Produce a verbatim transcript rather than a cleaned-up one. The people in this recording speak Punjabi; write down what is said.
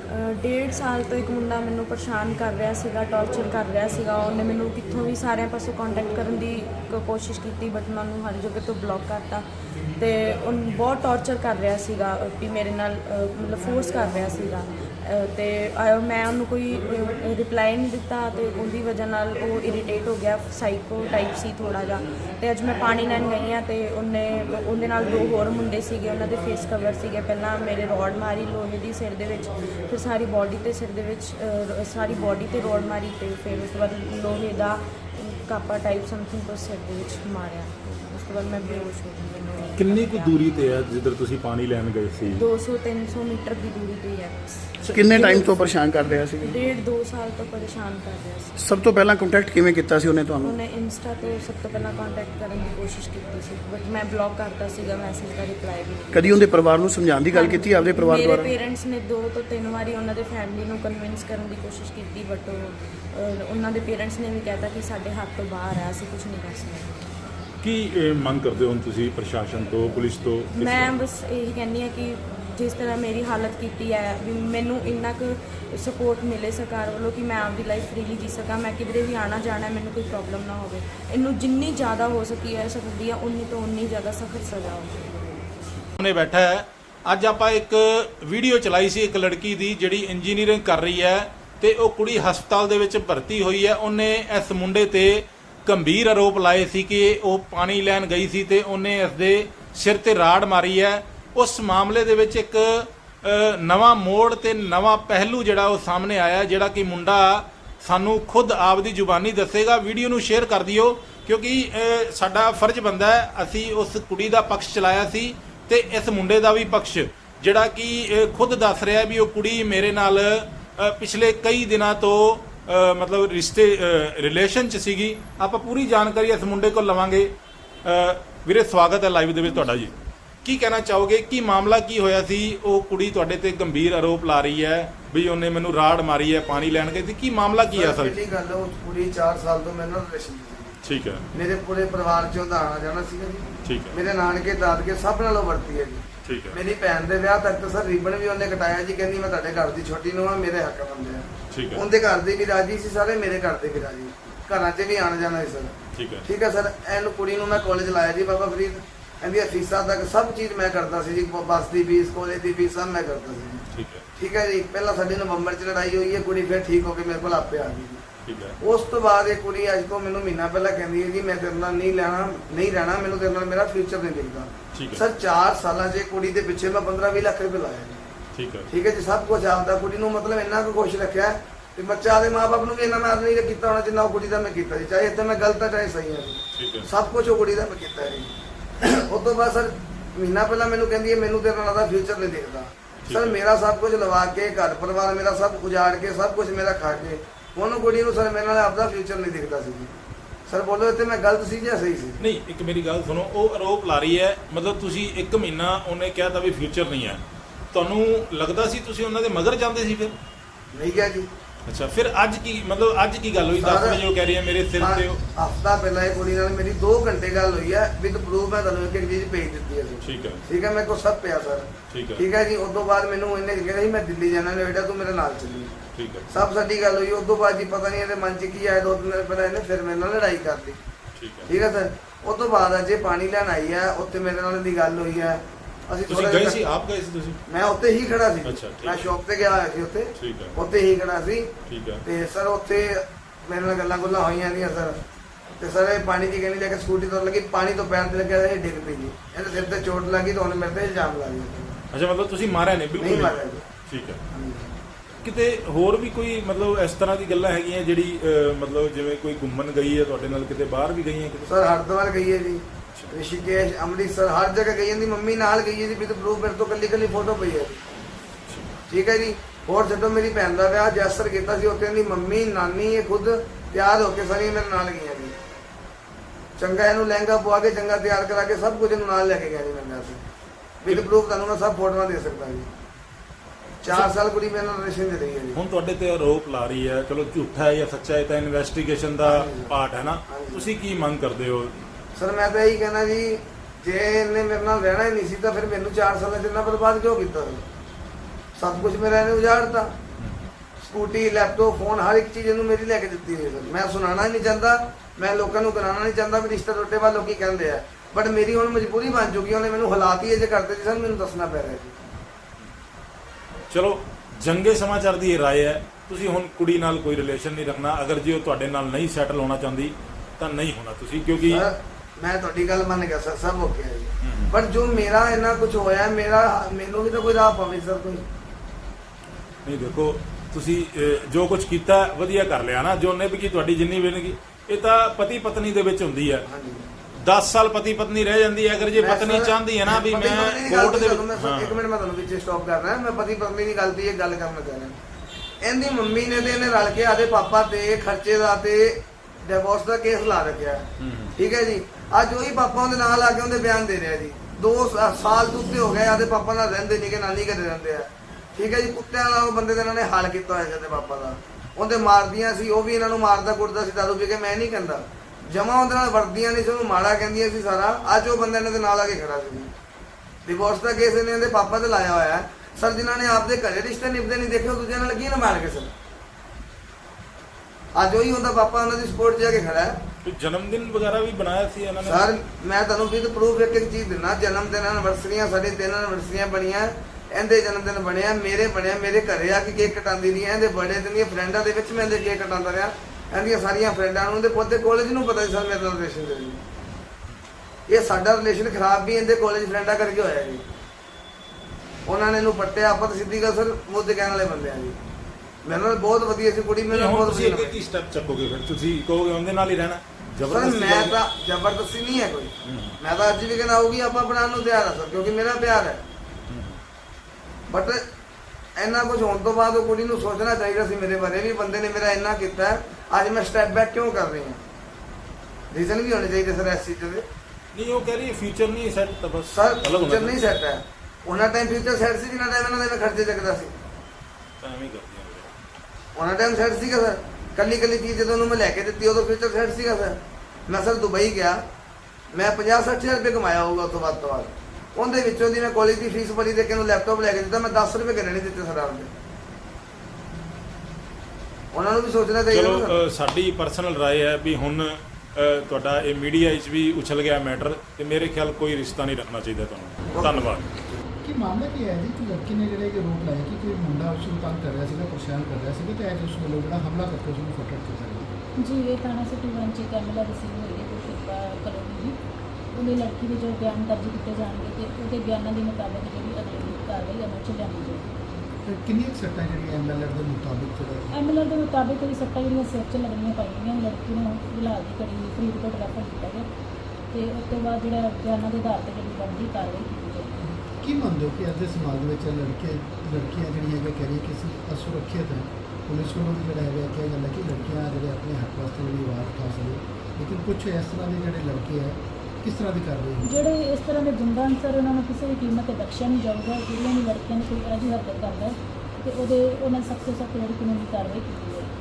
डेढ़ साल तो एक मुंडा मैनू परेशान कर रहा सीगा, टॉर्चर कर रहा सीगा। उन्हें मैनू कितों भी सारे पासों कॉन्टैक्ट करने की कोशिश की, बट मैं उन्होंने हर जगह तो ब्लॉक करता। तो उन बहुत टॉर्चर कर रहा सीगा भी मेरे नाल, मतलब फोर्स कर रहा सीगा। तो मैं उन्होंने कोई रिप्लाई नहीं दिता, तो उनकी वजह नाल वो इरीटेट हो गया, साइको टाइप सी थोड़ा जा। तो अज मैं पानी लैन गई हाँ, तो उन्हें उन्हें नाल दो होर मुंडे सीगे, उन्होंने फेस कवर सीगे। पहला मेरे रॉड मारी लोहे की सिर दे विच, फिर सारी बॉडी ते सिर दे विच, सारी बॉडी ते रॉड मारी, तो फिर उस बाद लोहे का कापा टाइप समथिंग तो सिर दे विच मारिया। उस तो बाद मैं बेहोश हो गई। कितनी कुछ दूरी ते है जिधर तुसी पानी लैन गए सी? दो सौ तीन सौ मीटर की दूरी पे है। किन्ने टाइम तो परेशान कर रहा सी? डेढ़ दो साल तो परेशान कर रहा सी। सब तो पहला कॉन्टैक्ट किवें कीता सी उन्हें तुहानू? उन्हें इंस्टा तो सब तो पहला कॉन्टैक्ट करने की कोशिश की सी, बट मैं ब्लॉक करता सीगा, मैसेज का रिप्लाई भी नहीं। कदी उनके परिवार नू समझाउण दी गल कीती आपदे परिवार मेरे द्वारा? पेरेंट्स ने दो तो तीन बारी उन्होंने फैमिली नू कन्विंस करने की कोशिश की, बट उन्होंने पेरेंट्स ने भी कहता कि साढ़े हाथ तो बाहर है, असं कुछ नहीं कर सकते। की ए, मंग करते हो तुसी प्रशासन तो, पुलिस तो? मैं बस यही कहनी है कि जिस तरह मेरी हालत की है भी मैनू इन्ना क सपोर्ट मिले सरकार वालों कि मैं आपकी लाइफ फ्रीली जी सका, मैं किधरे भी आना जाना है, मैनू कोई प्रॉब्लम ना हो। इनू जिन्नी ज़्यादा हो सकी है सकती है उन्नी तो उन्नी ज़्यादा सख्त सजा हो। ने बैठा है अज आप एक वीडियो चलाई सी एक लड़की दी जिहड़ी इंजीनियरिंग कर रही है, तो वह कुड़ी हस्पताल दे विच भर्ती हुई है। उन्हें इस मुंडे ते गंभीर आरोप लाए सी कि वह पानी लैन गई सी ते उन्हें इसदे सिर ते राड़ मारी है। उस मामले दे विच एक नवा मोड़ ते नवा पहलू जिहड़ा वो सामने आया, जिहड़ा कि मुंडा सानू खुद आपदी जुबानी दसेगा। वीडियो नू शेयर कर दिओ क्योंकि साडा फर्ज बनदा है, असी उस कुड़ी दा पक्ष चलाया सी ते इस मुंडे दा भी पक्ष जिहड़ा कि खुद दस रहा भी वो कुड़ी मेरे नाल पिछले कई दिनों तो Uh, मतलब रिश्ते रिलेशन च सीगी। आप पूरी जानकारी इस मुंडे को लवांगे। वीरे स्वागत है लाइव दे विच तुहाडा जी। की कहना चाहोगे कि मामला की होया सी? वो कुड़ी तुहाडे ते गंभीर आरोप ला रही है भी उन्हें मैनू राड़ मारी है, पानी लैन गई थी। की मामला की है सर? पहली गल उस कुड़ी चार साल तो मेरे नाल रिलेशन सी। ठीक है। मेरे पूरे परिवार चों दा आना जाना सीगा जी। ठीक है। मेरे नानके दादके सब नालों वरती है जी। ठीक है। मेरी भैन दे विआह तक तो सर रिबन भी उन्हें कटाया जी, कहंदी मैं तुहाडे घर दी छोटी नूं आ, मेरे हक बनदे आ। ठीक है। उनके घर दे भी राजी सी सारे, मेरे घर दे भी राजी, घरां 'च भी आना जाना सी सर। ठीक है। ठीक है सर। एन कुड़ी नूं मैं कॉलेज लाया जी बाबा फरीद, ਇਹਦੀਆਂ ਫੀਸਾਂ तक सब चीज़ मैं करता सी जी, बस की फीस कॉलेज की फीस सब मैं करता सी। ठीक है। ठीक है जी। पहला साडी नवंबर च लड़ाई हुई है, कुड़ी फिर ठीक होकर मेरे को आपे आ गई। ठीक है। उस तो बाद ये कुड़ी अज तो मैनू महीना पहला कहती है जी मैं तेरे नाल नहीं लेना नहीं रहना, मैनू तेरे नाल मेरा फ्यूचर नहीं दिखता। ठीक है। सर चार साल से कुड़ी के पिछे मैं पंद्रह भी लाख रुपये लाया जी। ठीक है। ठीक है जी। सब कुछ आपदा कुड़ी नू मतलब इन्ना कुछ खुश रखा है कि बच्चा आदे माँ बाप नू भी इन्ना मैं नहीं किया होना जिन्ना कुड़ी का मैं किया जी, चाहे इतने मैं गलत है चाहे सही है जी। ठीक है। सब कुछ वो कुड़ी का मैं किया है जी। उस तो बाद सर महीना पहला मैनू कहती है मैनू तेरे नाल फ्यूचर नहीं दिखता। सर मेरा सब कुछ लवा के घर परिवार मेरा सब उजाड़ के सब कुछ मेरा खा के ਉਹਨੂੰ ਕੁੜੀ ਨੂੰ ਸਰ ਮੇਰੇ ਨਾਲ ਆਪਦਾ ਫਿਊਚਰ ਨਹੀਂ ਦਿਖਦਾ ਸੀ ਜੀ। ਸਰ ਬੋਲੋ ਇੱਥੇ ਮੈਂ ਗਲਤ ਸੀ ਜਾਂ ਸਹੀ ਸੀ? ਨਹੀਂ, ਇੱਕ ਮੇਰੀ ਗੱਲ ਸੁਣੋ। ਉਹ ਆਰੋਪ ਲਾ ਰਹੀ ਹੈ ਮਤਲਬ ਤੁਸੀਂ ਇੱਕ ਮਹੀਨਾ ਉਹਨੇ ਕਿਹਾ ਤਾਂ ਵੀ ਫਿਊਚਰ ਨਹੀਂ ਹੈ, ਤੁਹਾਨੂੰ ਲੱਗਦਾ ਸੀ ਤੁਸੀਂ ਉਹਨਾਂ ਦੇ ਮਗਰ ਜਾਂਦੇ ਸੀ? ਫਿਰ ਨਹੀਂ ਗਿਆ ਜੀ। ਅੱਛਾ, ਫਿਰ ਅੱਜ ਕੀ ਮਤਲਬ ਅੱਜ ਕੀ ਗੱਲ ਹੋਈ? ਦਸ ਵਜੇ ਉਹ ਕਹਿ ਰਹੀ ਹੈ ਮੇਰੇ ਸਿਰ ਤੇ। ਹਫਤਾ ਪਹਿਲਾਂ ਇਹ ਕੁੜੀ ਨਾਲ ਮੇਰੀ ਦੋ ਘੰਟੇ ਗੱਲ ਹੋਈ ਹੈ, ਵਿਦ ਪ੍ਰੂਫ ਮੈਂ ਤੁਹਾਨੂੰ ਇੱਕ ਇੱਕ ਚੀਜ਼ ਭੇਜ ਦਿੱਤੀ ਹੈ। ਠੀਕ ਹੈ। ਠੀਕ ਹੈ। ਮੇਰੇ ਕੋਲ ਸਭ ਪਿਆ ਸਰ। ਠੀਕ ਹੈ। ਠੀਕ ਹੈ ਜੀ। ਉਸ ਤੋਂ ਬਾਅਦ ਮੈਨੂੰ ਇਹਨੇ ਕਿਹਾ ਸੀ ਮੈਂ ਦਿੱਲੀ ਜਾਣਾ, ਨੋਇਡਾ ਤੂੰ ਮੇਰੇ ਨਾਲ ਚੱਲੀ। ਠੀਕ ਹੈ। ਸਭ ਸਾਡੀ ਗੱਲ ਹੋਈ। ਉਸ ਤੋਂ ਬਾਅਦ ਜੀ ਪਤਾ ਨਹੀਂ ਇਹਦੇ ਮਨ 'ਚ ਕੀ ਆਇਆ, ਦੋ ਤਿੰਨ ਦਿਨ ਪਹਿਲਾਂ ਇਹਨੇ ਫਿਰ ਮੇਰੇ ਨਾਲ ਲੜਾਈ ਕਰ ਲਈ। ਠੀਕ ਹੈ। ਠੀਕ ਹੈ ਸਰ। ਉਸ ਤੋਂ ਬਾਅਦ ਅਜੇ ਪਾਣੀ ਲੈਣ ਆਈ ਹੈ, ਉੱਥੇ ਮੇਰੇ ਨਾਲ ਦੀ ਗੱਲ ਹੋਈ ਹੈ। ਅਸੀਂ ਤੁਸੀਂ ਗਏ ਸੀ? ਆਪ ਗਏ ਸੀ ਤੁਸੀਂ? ਮੈਂ ਉੱਥੇ ਹੀ ਖੜਾ ਸੀ। ਅੱਛਾ, ਠੀਕ ਮੈਂ ਹੈ। ਸ਼ੌਪ ਤੇ ਗਿਆ ਹੋਇਆ ਸੀ ਉੱਥੇ। ਠੀਕ ਹੈ। ਉੱਥੇ ਹੀ ਖੜਾ ਸੀ। ਠੀਕ ਹੈ। ਤੇ ਸਰ ਉੱਥੇ ਮੇਰੇ ਨਾਲ ਗੱਲਾਂ ਗੁੱਲਾਂ ਹੋਈਆਂ ਦੀਆਂ ਸਰ। ਤੇ ਸਰ ਇਹ ਪਾਣੀ ਦੀ ਕਹਿੰਦੀ ਲੈ ਕੇ ਸਕੂਟੀ ਤੋਂ ਲੱਗੀ, ਪਾਣੀ ਤੋਂ ਪੈਰ ਤੇ ਲੱਗਿਆ, ਇਹ ਡਿੱਗ ਪਈ ਜੀ। ਇਹਦੇ ਸਿਰ ਤੇ ਚੋਟ ਲੱਗੀ ਤਾਂ ਉਹਨੇ ਮੇਰੇ ਤੇ ਇਲਜ਼ਾਮ ਲਾ ਦਿੱਤਾ। ਅੱਛਾ, ਮਤਲਬ ਤੁਸੀਂ ਮਾਰਿਆ ਨਹੀਂ? ਬਿਲਕੁਲ ਨਹੀਂ ਮਾਰਿਆ ਜੀ। ਠੀਕ ਹੈ। ਕਿਤੇ ਹੋਰ ਵੀ ਕੋਈ ਮਤਲਬ ਇਸ ਤਰ੍ਹਾਂ ਦੀ ਗੱਲਾਂ ਹੈਗੀਆਂ ਜਿਹੜੀ ਮਤਲਬ ਜਿਵੇਂ ਕੋਈ ਘੁੰਮਣ ਗਈ ਹੈ ਤੁਹਾਡੇ ਨਾਲ, ਕਿਤੇ ਬਾਹਰ ਵੀ ਗਈ ਹੈ ਕਿਤੇ? ਸਰ ਹਰਿਦੁਆਰ ਗਈ ਹੈ ਜੀ, ਰਿਸ਼ੀਕੇਸ਼, ਅੰਮ੍ਰਿਤਸਰ, ਹਰ ਜਗ੍ਹਾ ਗਈ ਹੈ ਦੀ ਮੰਮੀ ਨਾਲ ਗਈ ਹੈ ਜੀ, ਵਿਦ ਪ੍ਰੂਫ ਮੇਰੇ ਤੋਂ ਕੱਲੀ ਕੱਲੀ ਫੋਟੋ ਪਈ ਹੈ। ਠੀਕ ਹੈ ਜੀ। ਹੋਰ ਜਦੋਂ ਮੇਰੀ ਭੈਣ ਦਾ ਵਿਆਹ ਜੈਸਰ ਕੀਤਾ ਸੀ, ਉੱਥੇ ਦੀ ਮੰਮੀ ਨਾਨੀ ਇਹ ਖੁਦ ਤਿਆਰ ਹੋ ਕੇ ਸਾਰੀਆਂ ਮੇਰੇ ਨਾਲ ਗਈਆਂ ਜੀ। ਚੰਗਾ ਇਹਨੂੰ ਲਹਿੰਗਾ ਪਵਾ ਕੇ ਚੰਗਾ ਤਿਆਰ ਕਰਾ ਕੇ ਸਭ ਕੁਝ ਇਹਨੂੰ ਨਾਲ ਲੈ ਕੇ ਗਿਆ ਜੀ ਮੇਰੇ ਨਾਲ। ਵਿਦ ਪ੍ਰੂਫ ਤੁਹਾਨੂੰ ਮੈਂ ਸਭ ਫੋਟੋਆਂ ਦੇ ਸਕਦਾ ਜੀ। ਚਾਰ ਸਾਲ ਕੁੜੀ ਮੇਰੇ ਨਾਲ ਰਿਲੇਸ਼ਨ ਦੇ ਰਹੀ ਹੈ ਜੀ। ਹੁਣ ਤੁਹਾਡੇ ਤੇ ਆਰੋਪ ਲਾ ਰਹੀ ਹੈ, ਚਲੋ ਝੂਠਾ ਹੈ ਜਾਂ ਸੱਚਾ ਹੈ ਤਾਂ ਇਨਵੈਸਟੀਗੇਸ਼ਨ ਦਾ ਪਾਰਟ ਹੈ ਨਾ, ਤੁਸੀਂ ਕੀ ਮੰਗ ਕਰਦੇ ਹੋ? ਸਰ ਮੈਂ ਤਾਂ ਇਹੀ ਕਹਿਣਾ ਜੀ, ਜੇ ਇਹਨੇ ਮੇਰੇ ਨਾਲ ਰਹਿਣਾ ਹੀ ਨਹੀਂ ਸੀ ਤਾਂ ਫਿਰ ਮੈਨੂੰ ਚਾਰ ਸਾਲਾਂ ਚ ਇੰਨਾ ਬਰਬਾਦ ਕਿਉਂ ਕੀਤਾ? ਸਭ ਕੁਝ ਮੇਰਾ ਇਹਨੇ ਉਜਾੜਤਾ। ਸਕੂਟੀ, ਲੈਪਟਾਪ, ਫੋਨ, ਹਰ ਇੱਕ ਚੀਜ਼ ਇਹਨੂੰ ਮੇਰੀ ਲੈ ਕੇ ਦਿੱਤੀ ਹੋਈ ਸਰ। ਮੈਂ ਸੁਣਾਉਣਾ ਹੀ ਨਹੀਂ ਚਾਹੁੰਦਾ, ਮੈਂ ਲੋਕਾਂ ਨੂੰ ਕਰਾਉਣਾ ਨਹੀਂ ਚਾਹੁੰਦਾ ਵੀ ਰਿਸ਼ਤਾ ਟੁੱਟੇ ਬਾਅਦ ਲੋਕੀ ਕਹਿੰਦੇ ਆ, ਬਟ ਮੇਰੀ ਹੁਣ ਮਜਬੂਰੀ ਬਣ ਚੁੱਕੀ ਹੈ। ਉਹਨੇ ਮੈਨੂੰ ਹਾਲਾਤ ਹੀ ਇਹ ਜੇ ਕਰਦੇ ਜੀ ਸਰ, ਮੈਨੂੰ ਦੱਸਣਾ ਪੈ ਰਿਹਾ ਜੀ। ਚਲੋ ਜੰਗੇ ਸਮਾਚਾਰ ਦੀ ਇਹ ਰਾਏ ਹੈ, ਤੁਸੀਂ ਹੁਣ ਕੁੜੀ ਨਾਲ ਕੋਈ ਰਿਲੇਸ਼ਨ ਨਹੀਂ ਰੱਖਣਾ। ਅਗਰ ਜੇ ਉਹ ਤੁਹਾਡੇ ਨਾਲ ਨਹੀਂ ਸੈਟਲ ਹੋਣਾ ਚਾਹੁੰਦੀ ਤਾਂ ਨਹੀਂ ਹੋਣਾ ਤੁਸੀਂ, ਕਿਉਂਕਿ ਸਰ ਮੈਂ ਤੁਹਾਡੀ ਗੱਲ ਮੰਨ ਗਿਆ ਸਰ, ਸਭ ਓਕੇ ਹੈ ਜੀ, ਬਟ ਜੋ ਮੇਰਾ ਇੰਨਾ ਕੁਝ ਹੋਇਆ, ਮੇਰਾ ਮੈਨੂੰ ਵੀ ਤਾਂ ਕੋਈ ਰਾਹ ਪਵੇ ਸਰ ਕੋਈ। ਨਹੀਂ ਦੇਖੋ ਤੁਸੀਂ ਅਹ, ਜੋ ਕੁਝ ਕੀਤਾ ਵਧੀਆ ਕਰ ਲਿਆ ਨਾ, ਜੋ ਨਿਭ ਗਈ ਤੁਹਾਡੀ ਜਿੰਨੀ ਬਣ ਗਈ। ਇਹ ਤਾਂ ਪਤੀ ਪਤਨੀ ਦੇ ਵਿੱਚ ਹੁੰਦੀ ਹੈ। ਹਾਂਜੀ ਦਸ ਸਾਲ ਪਤੀ ਪਤਨੀ ਰਹਿ ਜਾਂਦੀ ਹੈ। ਅਗਰ ਜੇ ਮੈਂ ਪਤਨੀ ਸਰ- ਚਾਹੁੰਦੀ ਹੈ ਨਾ ਵੀ ਪਤੀ ਮੈਂ ਪਤਨੀ ਦੀ ਗੱਲ ਕੋਰਟ ਦੇ ਤੁਹਾਨੂੰ ਮੈਂ ਵਿੱਚ ਸਰ- ਹਾਂ। ਇੱਕ ਮਿੰਟ ਮੈਂ ਤੁਹਾਨੂੰ ਵਿੱਚ ਸਟਾਪ ਕਰ ਰਿਹਾ। ਮੈਂ ਪਤੀ ਪਤਨੀ ਦੀ ਗੱਲ ਦੀ ਇਹ ਗੱਲ ਕਰਨਾ ਚਾਹ ਰਿਹਾ। ਇਹਦੀ ਮੰਮੀ ਨੇ ਤੇ ਇਹਨੇ ਰਲ ਕੇ ਆਦੇ ਪਾਪਾ ਤੇ ਖਰਚੇ ਦਾ ਤੇ ਡਿਵੋਰਸ ਦਾ ਕੇਸ ਲਾ ਰੱਖਿਆ। ਹੂੰ। ਠੀਕ ਹੈ ਜੀ, ਅੱਜ ਉਹੀ ਪਾਪਾ ਉਹਦੇ ਨਾਲ ਆ ਕੇ ਉਹਦੇ ਬਿਆਨ ਦੇ ਰਿਹਾ ਜੀ। ਦੋ ਸਾ- ਸਾਲ ਤੋਂ ਉੱਤੇ ਹੋ ਗਏ ਆਦੇ ਪਾਪਾ ਨਾਲ ਰਹਿੰਦੇ ਨਹੀਂ ਕਿ ਨਾਨੀ ਘਰੇ ਰਹਿੰਦੇ ਆ। ਠੀਕ ਹੈ ਜੀ, ਕੁੱਤਿਆਂ ਨਾਲ ਉਹ ਬੰਦੇ ਦੇ ਇਹਨਾਂ ਨੇ ਹਾਲ ਕੀਤਾ ਹੋਇਆ ਸੀ ਪਾਪਾ ਦਾ। ਉਹਦੇ ਮਾਰਦੀਆਂ ਸੀ, ਉਹ ਵੀ ਇਹਨਾਂ ਨੂੰ ਮਾਰਦਾ ਕੁੱਟਦਾ ਸੀ ਦਾਰੂ ਪੀ ਕੇ। ਮੈਂ ਨਹੀਂ ਕਹਿੰਦਾ, ਜਮਾ ਉਹਦੇ ਨਾਲ ਵਰਦੀਆਂ ਨਹੀਂ ਸੀ, ਉਹਨੂੰ ਮਾੜਾ ਕਹਿੰਦੀਆਂ ਸੀ ਸਾਰਾ। ਅੱਜ ਉਹ ਬੰਦਾ ਇਹਨਾਂ ਦੇ ਨਾਲ ਆ ਕੇ ਖੜਾ ਸੀ। ਡਿਵੋਰਸ ਦਾ ਕੇਸ ਇਹਨੇ ਇਹਦੇ ਪਾਪਾ ਤੇ ਲਾਇਆ ਹੋਇਆ ਹੈ ਸਰ। ਜਿਨ੍ਹਾਂ ਨੇ ਆਪਦੇ ਘਰੇ ਰਿਸ਼ਤੇ ਨਿਭਦੇ ਨਹੀਂ ਦੇਖੇ, ਉਹ ਦੂਜਿਆਂ ਨਾਲ ਲੱਗੀ ਨਾ ਮਾਰ ਕੇ ਸਰ। ਅੱਜ ਉਹੀ ਹੁੰਦਾ ਪਾਪਾ ਉਹਨਾਂ ਦੀ ਸਪੋਰਟ 'ਚ ਜਾ ਕੇ ਖੜਾ ਹੈ। ਕੋਈ ਜਨਮ ਦਿਨ ਵਗੈਰਾ ਵੀ ਬਣਾਇਆ ਸੀ ਇਹਨਾਂ ਨੇ? ਸਰ ਮੈਂ ਤੁਹਾਨੂੰ ਵਿਦ ਪ੍ਰੂਫ ਇੱਕ ਇੱਕ ਚੀਜ਼ ਦਿੰਦਾ। ਜਨਮ ਦਿਨ ਐਨਵਰਸਰੀਆਂ, ਸਾਡੀ ਤਿੰਨ ਐਨਵਰਸਰੀਆਂ ਬਣੀਆਂ। ਇਹਦੇ ਜਨਮ ਦਿਨ ਬਣਿਆ, ਮੇਰੇ ਬਣਿਆ, ਮੇਰੇ ਘਰੇ ਆ ਕੇ ਕੇਕ ਕਟਾਉਂਦੀ ਰਹੀ। ਇਹਦੇ ਬਰਥਡੇ ਦੀਆਂ ਫਰੈਂਡਾਂ ਦੇ ਵਿੱਚ ਮੈਂ ਇਹਦੇ ਕੇਕ ਕਟਾਉਂਦਾ ਰਿਹਾ। ਇਹਦੀਆਂ ਸਾਰੀਆਂ ਫਰੈਂਡਾਂ ਨੂੰ, ਇਹਦੇ ਪੋਤੇ ਕਾਲਜ ਨੂੰ ਪਤਾ ਸੀ ਸਰ ਮੇਰੇ ਨਾਲ ਰਿਲੇਸ਼ਨ ਦੇ ਜੀ। ਇਹ ਸਾਡਾ ਰਿਲੇਸ਼ਨ ਖਰਾਬ ਵੀ ਇਹਦੇ ਕਾਲਜ ਫਰੈਂਡਾਂ ਕਰਕੇ ਹੋਇਆ ਜੀ। ਉਹਨਾਂ ਨੇ ਇਹਨੂੰ ਪੱਟਿਆ। ਆਪਾਂ ਤਾਂ ਸਿੱਧੀ ਗੱਲ ਸਰ ਮੂੰਹ ਤੇ ਕਹਿਣ ਵਾਲੇ ਬੰਦੇ ਆ ਜੀ। ਮੇਰੇ ਨਾਲ ਬਹੁਤ ਵਧੀਆ ਸੀ ਕੁੜੀ, ਮੇਰੇ ਨਾਲ ਹੁਣ ਬਹੁਤ ਤੁਸੀਂ ਵਧੀਆ ਅੱਗੇ ਲੱਗੀ। ਕੀ ਸਟੈਪ ਚੱਕੋਗੇ ਫਿਰ? ਤੁਸੀਂ ਕਹੋਗੇ ਉਹਦੇ ਨਾਲ ਹੀ ਰਹਿਣਾ? ਸਰ ਜ਼ਬਰਦਸਤੀ ਮੈਂ ਕਰੋਗੇ? ਤਾਂ ਜ਼ਬਰਦਸਤੀ ਨਹੀਂ ਹੈ ਕੋਈ। ਹੂੰ। ਮੈਂ ਤਾਂ ਅੱਜ ਵੀ ਕਹਿੰਦਾ ਆਊਗੀ, ਆਪਾਂ ਬਣਾਉਣ ਨੂੰ ਤਿਆਰ ਆ ਸਰ, ਕਿਉਂਕਿ ਮੇਰਾ ਪਿਆਰ ਹੈ। ਬਟ ਇੰਨਾ ਕੁਝ ਹੋਣ ਤੋਂ ਬਾਅਦ ਉਹ ਕੁੜੀ ਨੂੰ ਸੋਚਣਾ ਚਾਹੀਦਾ ਸੀ ਮੇਰੇ ਬਾਰੇ ਵੀ। ਬੰਦੇ ਨੇ ਮੇਰਾ ਇੰਨਾ ਕੀਤਾ ਹੈ, ਅੱਜ ਮੈਂ ਸਟੈਪ ਬੈਕ ਕਿਉਂ ਕਰ ਰਹੀ ਹਾਂ? ਰੀਜ਼ਨ ਵੀ ਹੋਣੇ ਚਾਹੀਦੇ ਸਰ ਇਸ ਚੀਜ਼ ਦੇ। ਨਹੀਂ ਉਹ ਕਹਿ ਰਹੀ ਫਿਊਚਰ ਨਹੀਂ ਸੈੱਟ ਤਾਂ ਬਸ ਸਰ ਅਲੱਗ ਹੋਣਾ ਫਿਊਚਰ ਨਹੀਂ ਸੈੱਟ ਹੈ। ਉਹਨਾਂ ਟਾਈਮ ਫਿਊਚਰ ਸੈੱਟ ਸੀ ਜਿੰਨਾ ਟਾਈਮ ਇਹਨਾਂ ਦੇ ਮੈਂ ਖਰਚੇ ਚੱਕਦਾ ਸੀ। ਤਾਂ ਐਵੇਂ ਹੀ ਕਰਦੀਆਂ ਨੇ। ਉਹਨਾਂ ਟਾਈਮ ਸੈੱਟ ਸੀਗਾ ਸਰ। ਕੱਲੀ ਕੱਲੀ ਚੀਜ਼ ਜਦੋਂ ਉਹਨੂੰ ਮੈਂ ਲੈ ਕੇ ਦਿੱਤੀ ਉਦੋਂ ਫਿਊਚਰ ਸੈੱਟ ਸੀਗਾ ਸਰ। ਮੈਂ ਸਰ ਦੁਬਈ ਗਿਆ, ਮੈਂ ਪੰਜਾਹ ਸੱਠ ਹਜ਼ਾਰ ਰੁਪਏ ਕਮਾਇਆ ਹੋਊਗਾ ਉਸ ਤੋਂ ਬਾਅਦ ਤੋਂ ਬਾਅਦ। ਉਹਦੇ ਵਿੱਚੋਂ ਦੀ ਮੈਂ ਕਾਲਜ ਦੀ ਫੀਸ ਭਰੀ ਦੇ ਕੇ ਉਹਨੂੰ ਲੈਪਟਾਪ ਲੈ ਕੇ ਦਿੱਤਾ। ਮੈਂ ਦਸ ਰੁਪਏ ਘਰੇ ਨਹੀਂ ਦਿੱਤੇ ਸਰ ਆਪਦੇ। ਉਹਨਾਂ ਨੂੰ ਵੀ ਸੋਚਣਾ ਚਾਹੀਦਾ ਨਾ ਸਰ। ਚਲੋ ਅ, ਸਾਡੀ ਪਰਸਨਲ ਰਾਏ ਹੈ ਵੀ ਹੁਣ ਅ, ਤੁਹਾਡਾ ਇਹ ਮੀਡੀਆ ਵਿੱਚ ਵੀ ਉਛਲ ਗਿਆ ਮੈਟਰ, ਤੇ ਮੇਰੇ ਖਿਆਲ ਕੋਈ ਰਿਸ਼ਤਾ ਨਹੀਂ ਰੱਖਣਾ ਚਾਹੀਦਾ ਤੁਹਾਨੂੰ। ਧੰਨਵਾਦ। ਕਿ ਮਾਮਲਾ ਕੀ ਹੈ ਜੀ ਕਿ ਲੜਕੀ ਨੇ ਜਿਹੜੇ ਕਿ ਰੋਪ ਲਾਇਆ ਕਿ ਕੋਈ ਮੁੰਡਾ ਉਸ ਨੂੰ ਤੰਗ ਕਰ ਰਿਹਾ ਸੀਗਾ, ਪਰੇਸ਼ਾਨ ਕਰ ਰਿਹਾ ਸੀਗਾ, ਤੇ ਅੱਜ ਉਸ ਵੱਲੋਂ ਜਿਹੜਾ ਹਮਲਾ ਕਰਕੇ ਉਸ ਨੂੰ ਫਟੜ ਕੀਤਾ ਗਿਆ। ਜੀ ਇਹ ਥਾਣਾ ਸਿਟੀ ਵਨ ਚ ਕੈਮਰਾ ਰਿਸੀਵ ਹੋਈ ਹੈ ਗੁਰਸ਼ਿਪਾ ਕਲੋਨੀ ਦੀ। ਉਹਦੇ ਲੜਕੀ ਦੇ ਜੋ ਬਿਆਨ ਦਰਜ ਕੀਤੇ ਜਾਣਗੇ ਤੇ ਉਹਦੇ ਬਿਆਨਾਂ ਦੇ ਮੁਤਾਬਕ ਜਿਹੜੀ ਅਗਲੀ ਕਾਰਵਾਈ ਅਮਲ ਚ ਲਿਆਂਦੀ ਜਾਏਗੀ। ਤੇ ਕਿੰਨੀਆਂ ਕੁ ਸੱਟਾਂ ਜਿਹੜੀਆਂ ਐਮਐਲਆਰ ਦੇ ਮੁਤਾਬਿਕ ਜਿਹੜਾ ਐਮਐਲਆਰ ਦੇ ਮੁਤਾਬਕ ਉਹਦੀ ਸੱਟਾਂ ਜਿਹੜੀਆਂ ਸਿਰ 'ਚ ਲੱਗਣੀਆਂ ਪਾਈਆਂ ਗਈਆਂ। ਲੜਕੀ ਨੂੰ ਫਿਲਹਾਲ ਦੀ ਘੜੀ ਫਰੀਦਕੋਟ ਰੈਫਰ ਕੀਤਾ ਗਿਆ ਤੇ ਉਸ ਤੋਂ ਬਾਅਦ ਜਿਹੜਾ ਬਿਆਨਾਂ ਦੇ ਆਧਾਰ ਤੇ ਜਿਹੜੀ ਬਣਦੀ ਕਾਰਵਾਈ ਕੀਤੀ ਜਾਏਗੀ। ਕੀ ਮੰਨਦੇ ਹੋ ਕਿ ਅੱਜ ਦੇ ਸਮਾਜ ਦੇ ਵਿੱਚ ਲੜਕੇ ਲੜਕੀਆਂ ਜਿਹੜੀਆਂ ਹੈਗਾ ਕਹਿ ਰਹੀਆਂ ਕਿ ਅਸੀਂ ਅਸੁਰੱਖਿਅਤ ਹੈ? ਪੁਲਿਸ ਵੱਲੋਂ ਵੀ ਜਿਹੜਾ ਹੈਗਾ ਕਿਹਾ ਜਾਂਦਾ ਕਿ ਲੜਕੀਆਂ ਜਿਹੜੇ ਆਪਣੇ ਹੱਕ ਵਾਸਤੇ ਜਿਹੜੀ ਆਵਾਜ਼ ਉਠਾ ਸਕਦੇ, ਲੇਕਿਨ ਕੁਝ ਇਸ ਤਰ੍ਹਾਂ ਦੇ ਜਿਹੜੇ ਲੜਕੇ ਹੈ ਕਿਸ ਤਰ੍ਹਾਂ ਦੀ ਕਾਰਵਾਈ ਹੋਈ? ਜਿਹੜੇ ਇਸ ਤਰ੍ਹਾਂ ਦੇ ਗੁੰਡਾ ਅਨਸਰ ਉਹਨਾਂ ਨੂੰ ਕਿਸੇ ਵੀ ਕੀਮਤ ਤੇ ਬਖਸ਼ਿਆ ਨਹੀਂ ਜਾਊਗਾ। ਜਿਹੜੀਆਂ ਵੀ ਲੜਕੀਆਂ ਨੂੰ ਕੋਈ ਅਜਿਹੀ ਹਰਕਤ ਕਰਦਾ ਹੈ ਤੇ ਉਹਦੇ ਉਹਨਾਂ ਸਖਤ ਤੋਂ ਸਖਤ ਜਿਹੜੀ ਕਾਨੂੰਨੀ ਕਾਰਵਾਈ ਕੀਤੀ ਜਾਏਗੀ।